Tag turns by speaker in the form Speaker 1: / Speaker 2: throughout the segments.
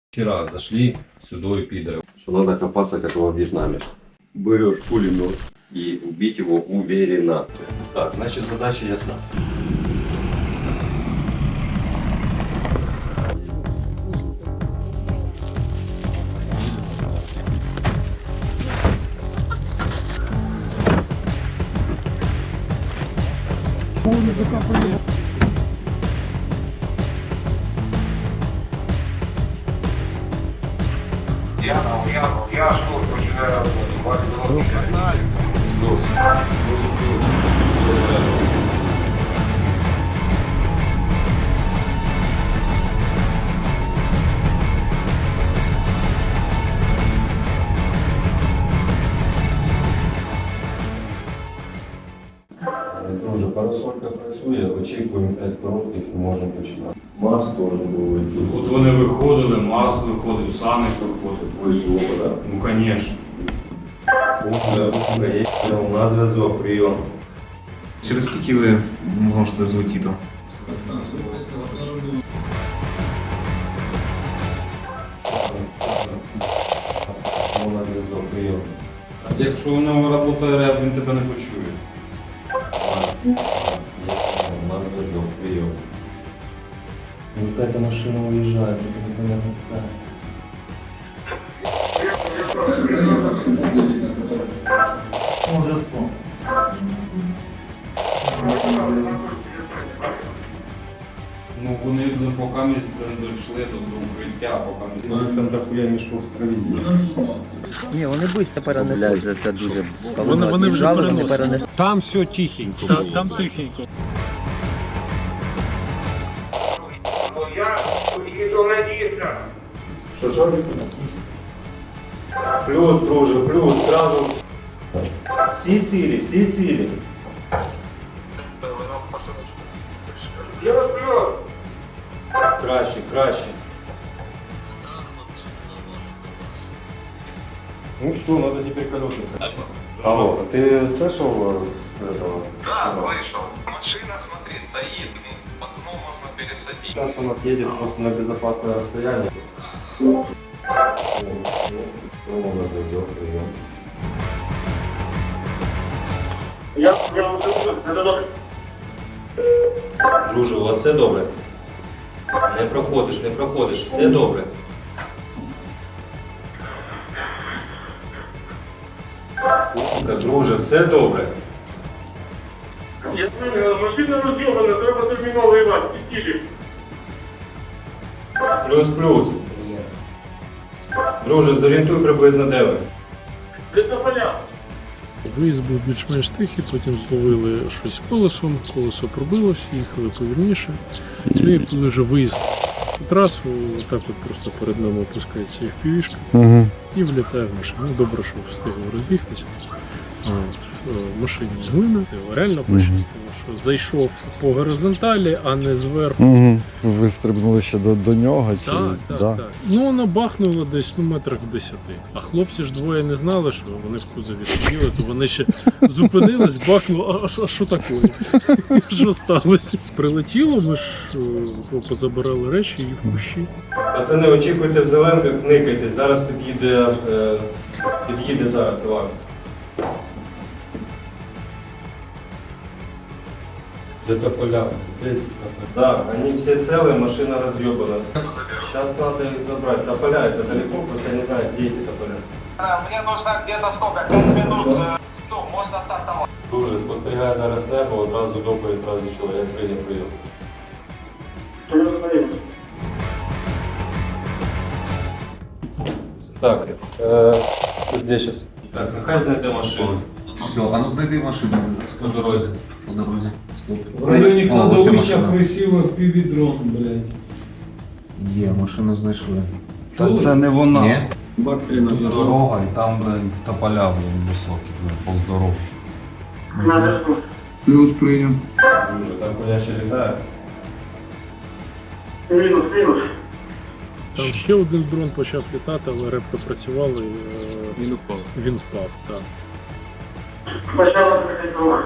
Speaker 1: Вчера зашли сюда и пидоры. Что надо копаться, как во Вьетнаме. Берешь пулемет и убить его уверенно. Так, значит задача ясна.
Speaker 2: Я что, начинаю работать.
Speaker 1: Плюс. Друже, парасолька працює, очікуємо 5 коротких і можемо починати. Марс теж був йти.
Speaker 3: От вони виходили, Марс виходив, Саник виходив.
Speaker 1: Вийшло, так?
Speaker 3: Ну, звісно.
Speaker 1: У нас зв'язок, прийом.
Speaker 4: Через скільки ви можете злетіти?
Speaker 1: У нас зв'язок, прийом.
Speaker 3: Якщо у нього працює реп, він тебе не почує.
Speaker 1: Марс, у нас зв'язок, прийом. Ну какая-то машина уезжает, это непонятно какая.
Speaker 5: По зв'язку.
Speaker 3: Ну, вони поки ми дійшли до укриття, поки ми...
Speaker 1: Там дохуя мішков з провізії.
Speaker 6: Ні, вони швидко перенесли. Це дуже
Speaker 5: Вони вже
Speaker 6: перенесли.
Speaker 5: Там все тихенько. Там тихенько.
Speaker 2: Я еду на диско.
Speaker 1: Що? Плюс, друже, плюс, сразу. Всі цілі.
Speaker 2: Я плюс.
Speaker 1: Краще. Ну все, надо теперь колеса ставить. Алло, ты слышал этого?
Speaker 7: Да, слышал. Машина, смотри, стоит. Пацану можно пересадить.
Speaker 1: Сейчас он отъедет просто на безопасное расстояние. Друже, у вас все добре? Не проходиш, все добре. Друже, все добре.
Speaker 2: Я знаю, машина роз'єбана, треба терміново воювати. Пістілі.
Speaker 1: Плюс. Друже, зорієнтуй приблизно де ви.
Speaker 2: Де поля?
Speaker 5: Виїзд був більш-менш тихий, потім зловили щось колесом, колесо пробилось, їхали повільніше. І коли вже виїзд на трасу, так от просто перед нами опускається FPV-шка і влітає в машину. Ну, добре, що встигли розбігтися. В машині глина. Реально пощастило, що зайшов по горизонталі, а не зверху.
Speaker 8: Ви стрибнули ще до нього? Чи...
Speaker 5: Так. Ну, вона бахнула десь метрах в 10. А хлопці ж двоє не знали, що вони в кузові сиділи, то вони ще зупинились, бахнули, а що таке? Що сталося? Прилетіло, ми ж позабирали речі і в кущі.
Speaker 1: Пацани, очікуйте в зеленках, никайтесь. Зараз під'їде зараз Іван. Где-то поля. Да, они все целые, машина разъебана. Сейчас надо их забрать. Тополя это далеко, просто я не знаю, где эти тополя.
Speaker 7: Мне нужно где-то сколько? 5 минут. Ну, можно стартовать.
Speaker 1: Друже, спостерігай зараз небо, одразу доповідь, одразу чого, як прийняв прийом. Так, здесь сейчас. Так, нехай знайде машину.
Speaker 4: Все, а ну знайди машину.
Speaker 1: По дорозі.
Speaker 4: По дорозі. Стоп.
Speaker 3: В районі
Speaker 4: О, ось
Speaker 3: кладовища
Speaker 4: машина.
Speaker 3: красиво FPV-дрон, блядь.
Speaker 4: Є, машину знайшли.
Speaker 3: Та це
Speaker 9: не вона.
Speaker 4: Ні?
Speaker 9: Тут дорога і там тополя високі, повз дорогу.
Speaker 5: Плюс прийняв.
Speaker 1: Друже, там коня ще літає.
Speaker 2: Мінус.
Speaker 5: Там ще один дрон почав літати, але репка працювала і він впав. Так.
Speaker 2: Почала прикрити.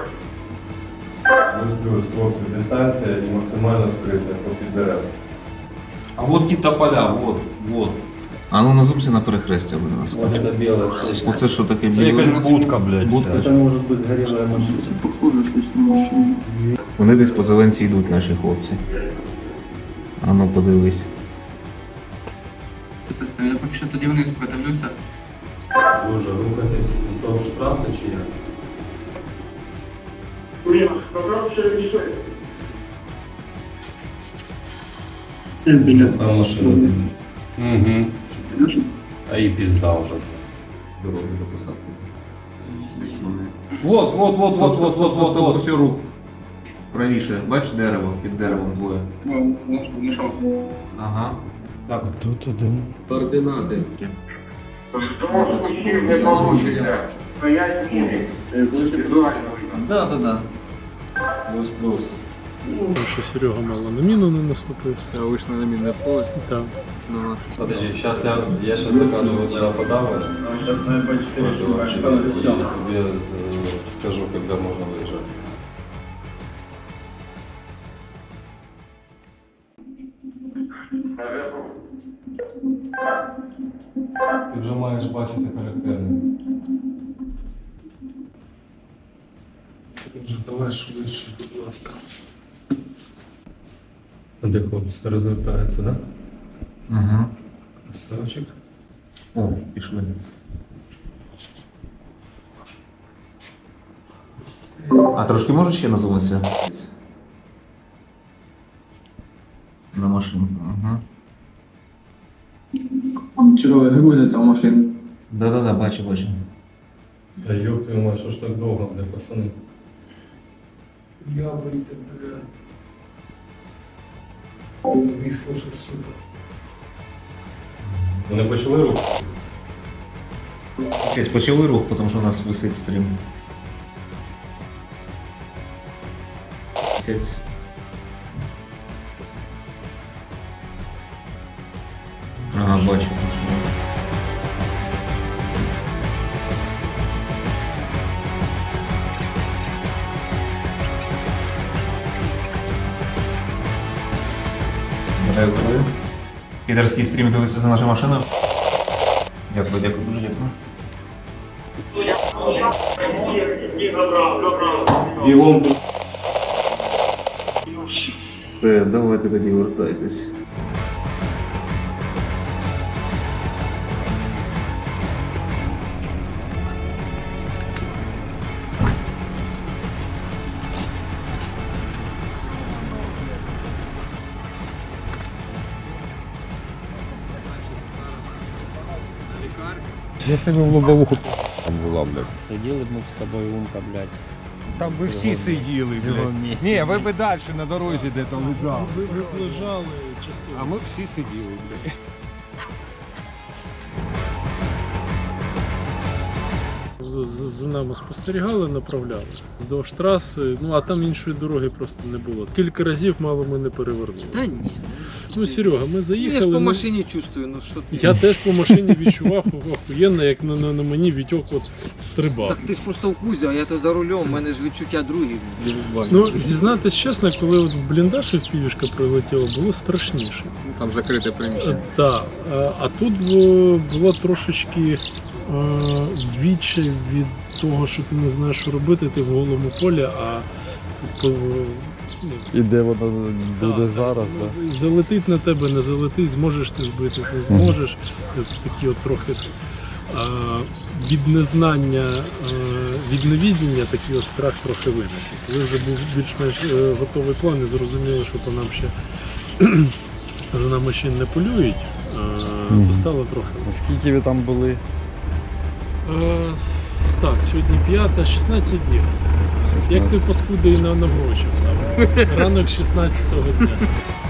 Speaker 1: Плюс, хлопці, дистанція і максимально скрита попід дерев.
Speaker 9: А вот ті тополя, вот.
Speaker 4: А ну назумся на перехрестя, будь ласка.
Speaker 1: Вот это белое.
Speaker 4: Оце що таке
Speaker 9: Це якась будка, блядь.
Speaker 4: Будка.
Speaker 9: це.
Speaker 1: может быть сгорелая машина.
Speaker 4: Вони десь по зеленці йдуть, наші хлопці. А ну подивись.
Speaker 6: Я поки що тоді вниз подивлюся.
Speaker 1: Боже, рухатись вздовж траси чи як?
Speaker 2: Нет, пока все решает.
Speaker 1: Там машина.
Speaker 3: Угу. А і пізда вже.
Speaker 4: Дороги до посадки. Десь вони.
Speaker 3: Вот.
Speaker 4: Ось рух. Правіше. Бач дерево? Під деревом двоє. Ага.
Speaker 9: Так,
Speaker 8: Тут один.
Speaker 1: Координати.
Speaker 2: Потому что уйти не получится. Стоять не индивидуально.
Speaker 4: Да.
Speaker 1: Плюс.
Speaker 5: Тому що Серега мало на міну не наступив.
Speaker 6: Я вийшов на мінне поле.
Speaker 5: Так.
Speaker 1: Подожди, сейчас я сейчас заказываю туда подавай. Сейчас, наверное, по 4 Я тебе скажу, когда можно выезжать.
Speaker 9: ти вже маєш бачити характерне.
Speaker 3: Давай швидше, будь ласка.
Speaker 1: Де хлопці розвертається, да?
Speaker 4: Ага.
Speaker 1: Красавчик.
Speaker 4: О, пішли. А трошки можеш ще назумитися? На машинку, ага.
Speaker 6: Чого грузиться в машину?
Speaker 4: Да, бачу.
Speaker 1: Да ёб твою мать, що ж так довго, бля, пацани?
Speaker 3: Я вийти, бля. Завісло що, сука.
Speaker 1: Вони почали рухатись?
Speaker 4: Сесь, почали рух, тому що у нас висить стрім. Сесть. Ага, бачу. Бажаю здоров'я. Підерський стрім дивиться за нашу машину. Дякую, дуже дякую.
Speaker 2: Не забрал.
Speaker 1: Бігом.
Speaker 4: Все, давайте тоді вертайтесь.
Speaker 8: Якщо б в лобовуху там була, блядь.
Speaker 6: Сиділи б ми з тобою умка, блядь.
Speaker 9: Там ви всі сиділи, блядь. Ні, ви б далі на дорозі де-то лежали.
Speaker 5: Ви лежали частково.
Speaker 9: А ми б всі сиділи, блядь.
Speaker 5: За нами спостерігали, направляли. Вздовж траси, ну а там іншої дороги просто не було. Кілька разів мало ми не перевернули.
Speaker 6: Та ні.
Speaker 5: Ну, Серега, ми
Speaker 6: Я
Speaker 5: заїхали.
Speaker 6: ж по
Speaker 5: ну,
Speaker 6: машині чувствую, ну що ти.
Speaker 5: Я теж по машині відчував охуєнно, як на мені Вітьок от стрибав.
Speaker 6: Так ти ж просто в кузі, а я то за рулем, у мене ж відчуття другі.
Speaker 5: Ну, зізнатись чесно, коли от в бліндаж півішка прилетіла, було страшніше.
Speaker 6: Там закрите приміщення.
Speaker 5: Так, а тут було трошечки відчай від того, що ти не знаєш, що робити, ти в голому полі, а тут
Speaker 8: І де вона буде
Speaker 5: так,
Speaker 8: зараз,
Speaker 5: так,
Speaker 8: да?
Speaker 5: залетить на тебе, не залетить, зможеш ти збити, не зможеш. Це такі от трохи від незнання, від невідіння такий от страх трохи виникне. Коли вже був більш-менш готовий план і зрозуміли, що по нам ще за нами ще не полюють, то стало трохи.
Speaker 8: А скільки ви там були?
Speaker 5: Так, сьогодні 5, 16 днів. Як ти паскудий наврочив. Ранок 16-го дня.